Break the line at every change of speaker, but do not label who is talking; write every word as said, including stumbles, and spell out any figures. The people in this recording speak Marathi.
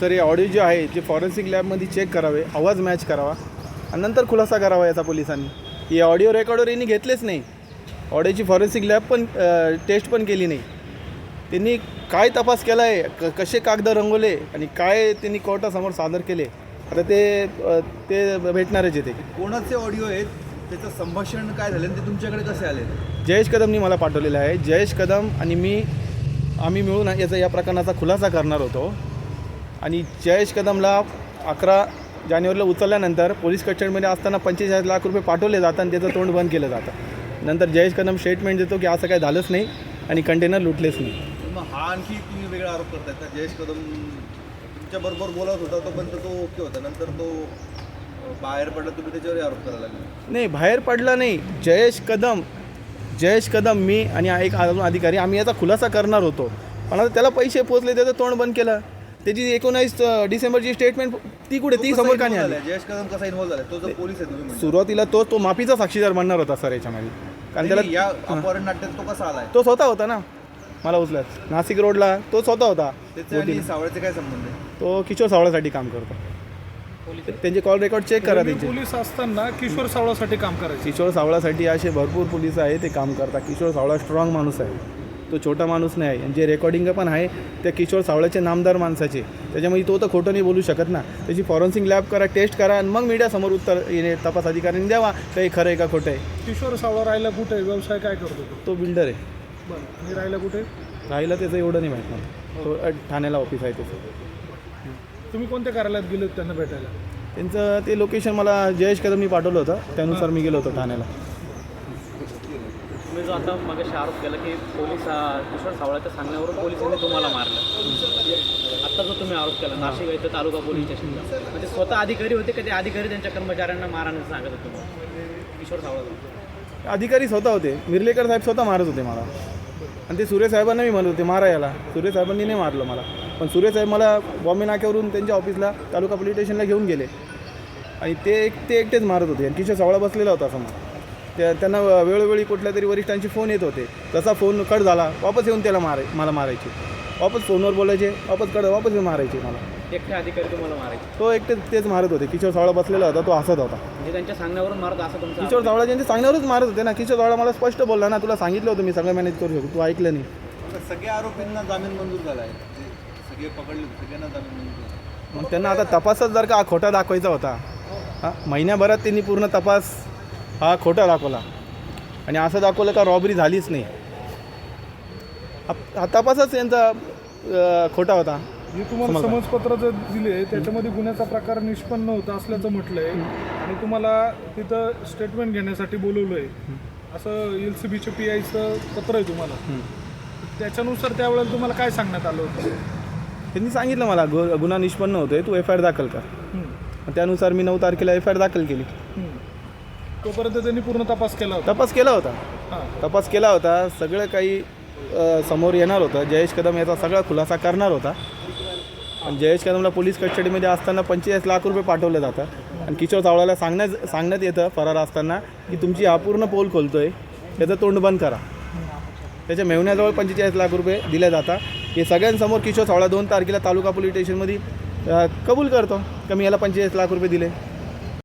सर हे ऑडिओ जे आहे जे फॉरेन्सिक लॅबमध्ये चेक करावे, आवाज मॅच करावा आणि नंतर खुलासा करावा याचा पोलिसांनी. ही ऑडिओ रेकॉर्डर यांनी घेतलेच नाही. ऑडिओची फॉरेन्सिक लॅब पण टेस्ट पण केली नाही. त्यांनी काय तपास केला आहे, क कसे कागद रंगवले आणि काय त्यांनी कोर्टासमोर सादर केले, आता ते ते भेटणारच येते.
कोणाचे ऑडिओ आहेत, त्याचं संभाषण काय झालं ते तुमच्याकडे कसे आले?
जयेश कदमनी मला पाठवलेलं आहे. जयेश कदम आणि मी आम्ही मिळून याचा या प्रकरणाचा खुलासा करणार होतो आणि जयेश कदमला अकरा जानेवारीला उचलल्यानंतर पोलीस कस्टडीमध्ये असताना पंचेचाळीस लाख रुपये पाठवले जातात आणि त्याचं तोंड बंद केलं जातं. नंतर जयेश कदम स्टेटमेंट देतो की असं काही झालंच नाही आणि कंटेनर लुटलेच नाही.
मग हा आणखी तुम्ही वेगळा आरोप करताय का? जयेश कदम तुमच्याबरोबर बोलत होता तोपर्यंत तो ओके होता, नंतर तो बाहेर पडला, तुम्ही त्याच्यावर आरोप करायला लागले?
नाही, बाहेर पडला नाही. जयेश कदम जयेश कदम मी आणि एक अजून अधिकारी आम्ही याचा खुलासा करणार होतो, पण आता त्याला पैसे पोचले, त्याचं तोंड बंद केलं. त्याची एकोणावीस डिसेंबरची स्टेटमेंट ती कुठे, ती समोर का नाही आली?
जयेश कदम कसा इन्व्हॉल्व झाला? तो जो पोलीस आहे तुम्ही म्हणता.
सुरुवातीला तो तो माफीचा साक्षीदार बनणार होता सर याच्यामध्ये, कारण त्याला
या अपहरण नाट्यात तो कसा आलाय?
तो स्वतः होता ना मला उचलत नाशिक रोडला, तो स्वतः होता.
त्याचे आणि सावळ्याचे काय संबंध आहे?
तो किशोर सावळासाठी काम करतो. त्यांचे कॉल रेकॉर्ड चेक करा. त्यांचे
पोलीस असताना किशोर सावळासाठी काम करायचे.
किशोर सावळासाठी असे भरपूर पोलीस आहे, ते काम करतात. किशोर सावळा स्ट्रॉंग माणूस आहे, तो छोटा माणूस नाही आहे. आणि जे रेकॉर्डिंग पण आहे त्या किशोर सावळ्याचे नामदार माणसाचे, त्याच्यामुळे तो तर खोटं नाही बोलू शकत ना. त्याची फॉरेन्सिक लॅब करा, टेस्ट करा आणि मग मीडियासमोर उत्तर येणे तपास अधिकाऱ्यांनी द्यावा काही खरं आहे का खोटं आहे.
किशोर सावळा राहायला कुठे आहे, व्यवसाय काय करतो तो?
तो बिल्डर आहे.
बरं, आणि राहायला कुठे?
राहिला त्याचं एवढं नाही माहीत मला. तो ठाण्याला ऑफिस आहे त्याचं.
तुम्ही कोणत्या कार्यालयात गेले त्यांना भेटायला?
त्यांचं ते लोकेशन मला जयेश कदमनी पाठवलं होतं, त्यानुसार मी गेलो होतो ठाण्याला.
तुम्ही जो आता मगाशी आरोप केला की पोलीस किशोर सावळाच्या सांगण्यावरून पोलिसांनी तुम्हाला मारलं, आत्ता जो तुम्ही आरोप केला नाशिक इथं तालुका पोलीस स्टेशनला, म्हणजे स्वतः अधिकारी होते का ते अधिकारी त्यांच्या कर्मचाऱ्यांना मारण्याचं सांगत होते तुम्हाला किशोर सावळा?
अधिकारी स्वतः होते. मिर्लेकर साहेब स्वतः मारत होते मला आणि ते सुरेश साहेबांना मी म्हणत होते मारा याला. सुरेश साहेबांनी नाही मारलं मला, पण सुरेश साहेब मला बॉम्बे नाक्यावरून त्यांच्या ऑफिसला तालुका पोलीस स्टेशनला घेऊन गेले आणि ते एक ते एकटेच मारत होते. आणि किशोर सावळा बसलेला होता समोर. त्या त्यांना वेळोवेळी कुठल्या तरी वरिष्ठांची फोन येत होते. तसा फोन कट झाला, वापस येऊन त्याला माराय मला मारायचे. वापस फोनवर बोलायचे, वापस कट वापस येऊन मारायचे मला.
एकटे अधिकारी तुम्हाला मारायचे?
तो एकटेच तेच मारत होते. किशोर सावळा बसलेला होता, तो हसत होता.
म्हणजे त्यांच्या सांगण्यावरून मारत असं तुमचं?
किशोर सावळा त्यांच्या सांगण्यावरच मारत होते ना. किशोर सावळा मला स्पष्ट बोलला ना, तुला सांगितलं होतं मी सगळं मॅनेज करू शकतो, तू ऐकलं नाही.
सगळ्या आरोपींना जामीन मंजूर झाला आहे, सगळे पकडले, सगळ्यांना जामीन मंजूर झाला.
मग त्यांना आता तपासच जर का खोटा दाखवायचा होता, हां महिन्याभरात त्यांनी पूर्ण तपास हा खोटा दाखवला आणि असं दाखवलं का रॉबरी झालीच नाही. हा तपासच यांचा खोटा होता.
जे तुम्हाला समजपत्र जे दिले त्याच्यामध्ये गुन्ह्याचा प्रकार निष्पन्न होता असल्याचं म्हटलंय आणि तुम्हाला तिथं स्टेटमेंट घेण्यासाठी बोलवलं आहे असं एल सी बीच्या पी आयचं पत्र आहे तुम्हाला. त्याच्यानुसार त्यावेळेला तुम्हाला काय सांगण्यात आलं होतं?
त्यांनी सांगितलं मला गु गुन्हा निष्पन्न होतोय, तू एफ आय आर दाखल कर. त्यानुसार मी नऊ तारखेला एफ आय आर दाखल केली.
तोपर्यंत त्यांनी पूर्ण तपास केला होता?
तपास केला होता
हां,
तपास केला होता. सगळं काही समोर येणार होतं. जयेश कदम याचा सगळा खुलासा करणार होता. आणि जयेश कदमला पोलीस कस्टडीमध्ये असताना पंचेचाळीस लाख रुपये पाठवले जातात आणि किशोर सावळाला सांगण्यात सांगण्यात येतं फरार असताना की तुमची हा पूर्ण पोल खोलतोय, त्याचं तोंड बंद करा. त्याच्या मेहुण्याजवळ पंचेचाळीस लाख रुपये दिले जातात. हे सगळ्यांसमोर किशोर सावळा दोन तारखेला तालुका पोलीस स्टेशनमध्ये कबूल करतो की मी याला पंचेचाळीस लाख रुपये दिले.